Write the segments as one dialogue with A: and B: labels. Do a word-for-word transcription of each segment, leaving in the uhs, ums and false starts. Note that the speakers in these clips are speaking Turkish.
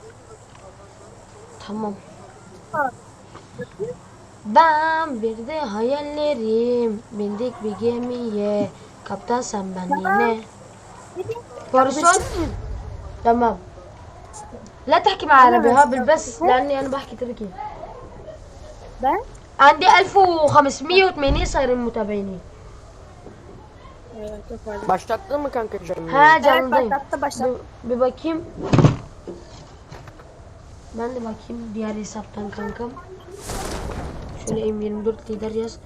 A: Tamam. Ben bir de hayallerim bindik bir gemiye. Kaptan sen ben yine. بارسون تمام. لا تحكي مع عربي هابل بس لاني انا بحكي تركي.
B: Ben?
A: عندي ألف وخمسمية وثمانين صايرين متابعيني.
B: Evet, çok fazla.
C: Başlattın mı kanka canım?
A: Ha
B: Evet,
A: canlıdayım.
B: başlattı başlattı.
A: Bir, bir bakayım. Ben de bakayım diğer hesaptan kankam. Şöyle M yirmi dört lider yaz.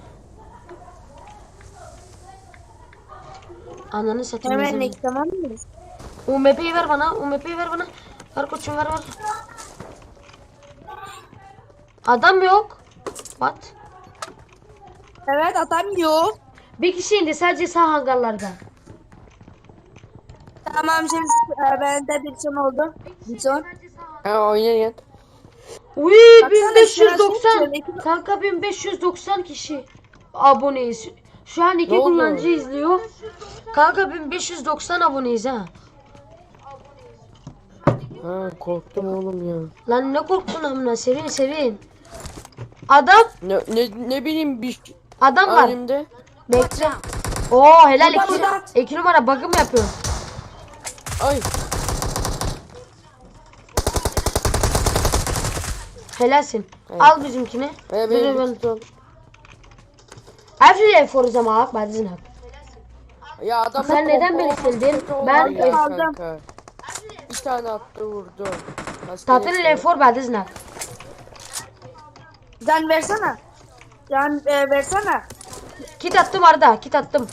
A: Ananı satayım.
B: Hemen ilk tamam mı?
A: U M P'yi ver bana. U M P'yi ver bana. Ver koçum ver ver. Adam yok. What?
B: Evet, adam yok.
A: Bir kişi indi sadece sağ hangarlarda.
B: Tamam, şimdi e, bende bir son oldu. Bir son.
C: Ha oynayın.
A: Uy
B: Baksana,
A: bin beş yüz doksan.
B: şurası-
A: Kanka bin beş yüz doksan kişi aboneyiz. Şu an iki
C: Ne oldu?
A: kullanıcı izliyor. Kanka bin beş yüz doksan aboneyiz ha.
C: Ha korktum oğlum ya.
A: Lan ne korktun amına, sevin sevin. Adam
C: Ne ne, ne bileyim bir
A: adam var.
C: elimde.
A: Bekle. Oo helal
B: Burada,
A: iki,
B: burada.
A: iki numara bakım yapıyor.
C: Ay.
A: Helalsin.
C: Evet.
A: Al bizimkini.
C: Ee,
A: Dur,
C: benim
A: ben-
C: bir tutam.
A: Afiyet for zaman بعد إذنك.
C: Ya adam
A: Sen neden beni sildin? Ben
C: ya
B: aldım.
C: kanka. Bir tane attı vurdu.
A: تعطيني الانفور بعد إذنك.
B: Can versene. Can e, versene.
A: Kit attım Arda, kit attım.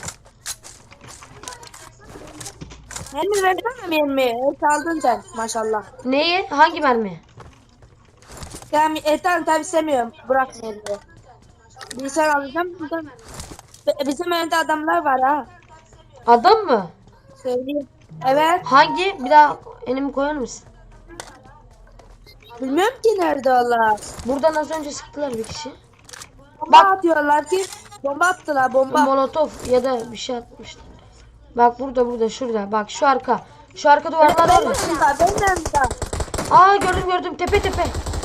B: Mermi versene mermi. Et aldın sen maşallah.
A: Neyi? Hangi mermi?
B: Yani et al tabi istemiyorum. Bırak mermi. Bilgisayar alacağım. Buradan. Be- Bizim önünde adamlar var ha.
A: Adam mı?
B: Söyleyeyim. Evet.
A: Hangi? Bir daha elimi koyar mısın?
B: Bilmiyorum ki nerede onlar.
A: Buradan az önce sıktılar bir kişi.
B: Bomba
A: Bak.
B: atıyorlar ki. Bomba attılar bomba.
A: Molotof ya da bir şey atmışlar. Bak burada burada şurada. Bak şu arka. Şu arka duvarlar var ya.
B: Benim yanımda. Benim yanımda.
A: Aa gördüm gördüm tepe tepe.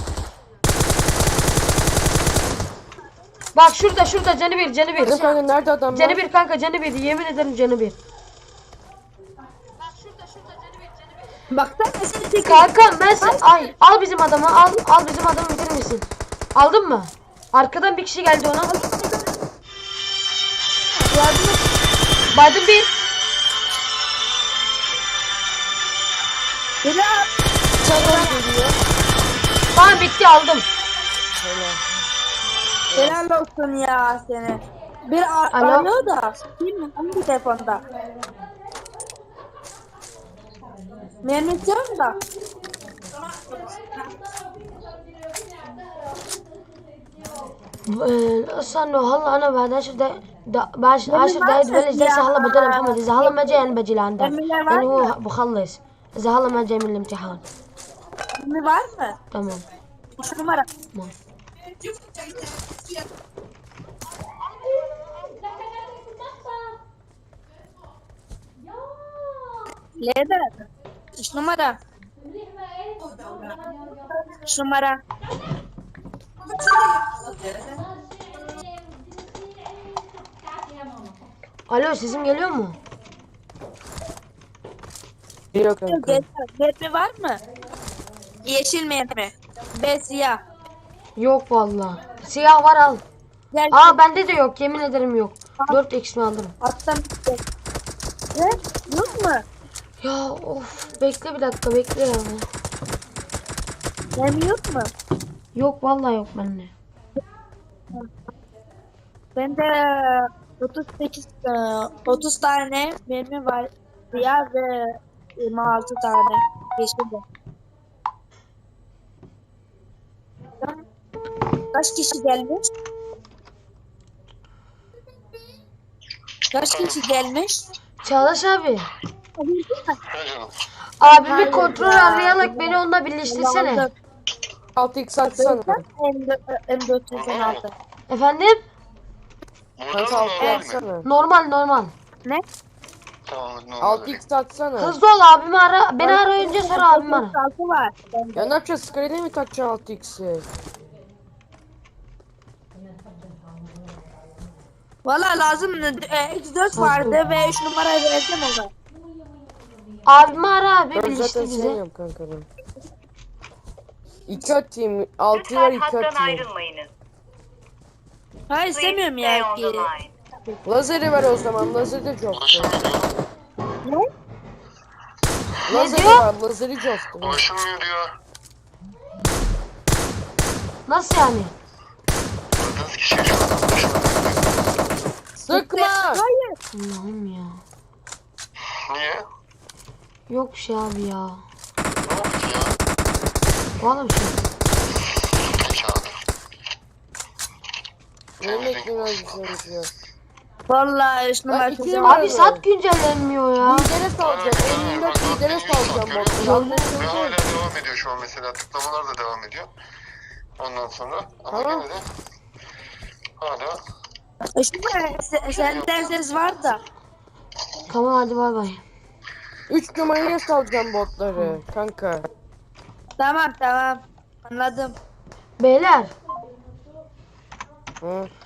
A: Bak şurada şurada canı bir canı bir.
C: Ne kanka nerede adam
A: Canı
C: var?
A: bir kanka canı bir yemin ederim canı bir.
B: Baksana sen çekin.
A: Kankam ben sen ay al bizim adamı al al bizim adamı bitirir misin? Aldın mı? Arkadan bir kişi geldi ona.
B: Yardım et.
A: Baydım bir.
B: Beni al.
C: Adam geliyor.
A: Tamam bitti aldım.
B: Helal olsun ya seni. Bir a-
A: Alo.
B: arıyor da. Değil mi? Hangi telefonda? Mermi istiyorum da.
A: استنوا هلا انا بعد عشر دقايق دا- بعد عشر دقايق ببلش درس هلا بدل محمد اذا هلا ما جاي انا بجي لعندك يعني هو بخلص اذا هلا ما جاي من الامتحان.
B: Mermi var mı?
A: تمام
B: Üç numara.
A: تمام.
B: Leather. Üç numara. Üç numara.
A: Alo sesim geliyor mu?
C: Geliyor kanka.
B: Mermi var mı? Yeşil mermi. Ve siyah.
A: Yok vallahi. Siyah var al.
B: Gel.
A: Aa bende de yok yemin ederim yok. dört x mi alırım?
B: Attım. Ne? Yok mu?
A: Ya of bekle bir dakika bekle ya.
B: Mermi yok mu?
A: Yok vallahi yok bende.
B: Bende otuz sekiz e, otuz tane mermi var. Siyah ve yirmi altı tane yeşil de. Kaç kişi gelmiş? Kaç kişi gelmiş?
A: Çağdaş abi. Abimi kontrol arayarak beni onunla birleştirsene.
C: altı x atsana.
B: M dört yüz on altı.
A: Efendim?
C: Kanka altı atsana.
A: Normal normal.
B: Ne?
D: Tamam hadi normal
C: altı
D: vereyim.
C: x atsana.
A: Hızlı ol, abimi ara. Beni ara önce, sonra abimi ara.
B: Altı var.
C: Ya ne yapacağız? Sky'de mi takacaksın altı x'i?
B: Valla lazım. E, X dört vardı ve üç numarayı verdim ona.
A: Abimi ara abi,
C: Ben
A: bilişti
C: zaten
A: bize.
C: sevmiyorum kanka ben. iki atayım. altı var
E: Lütfen
C: iki
E: hattan
C: atayım.
E: ayrılmayınız.
B: Hayır istemiyorum
E: Stay
B: ya
E: on the
B: ki.
E: line.
C: Lazeri ver o zaman. Lazeri de coft'u.
D: Ulaşılmıyor diyor.
B: Ne?
C: Lazeri
A: diyor?
C: var. Lazeri coft'u.
D: Ulaşılmıyor diyor.
A: Nasıl yani?
D: Aradığınız kişiye şu an ulaşılamıyor.
C: Sıkma.
B: Hayır.
A: Allah'ım ya.
D: Niye?
A: Yok bir şey abi ya.
D: Ne oldu ki ya?
A: Vallahi bir şey.
D: Peki abi.
C: Ne bekliyorsun bir şey ya?
B: Valla üç numara
C: iki
B: kızım.
C: numara-
A: Abi sat güncellenmiyor ya.
C: Lidere salacağım. elli dört lidere salacağım botları.
D: Ve hala devam ediyor şu an mesela. Tıklamalar da devam ediyor. Ondan sonra. Ama
C: Tamam.
D: gene de hala
B: Üç numara se- senden ses var da.
A: Tamam hadi bay bay.
C: üç numaraya salacağım botları kanka.
B: Tamam tamam. Anladım.
A: Beyler
C: Hı.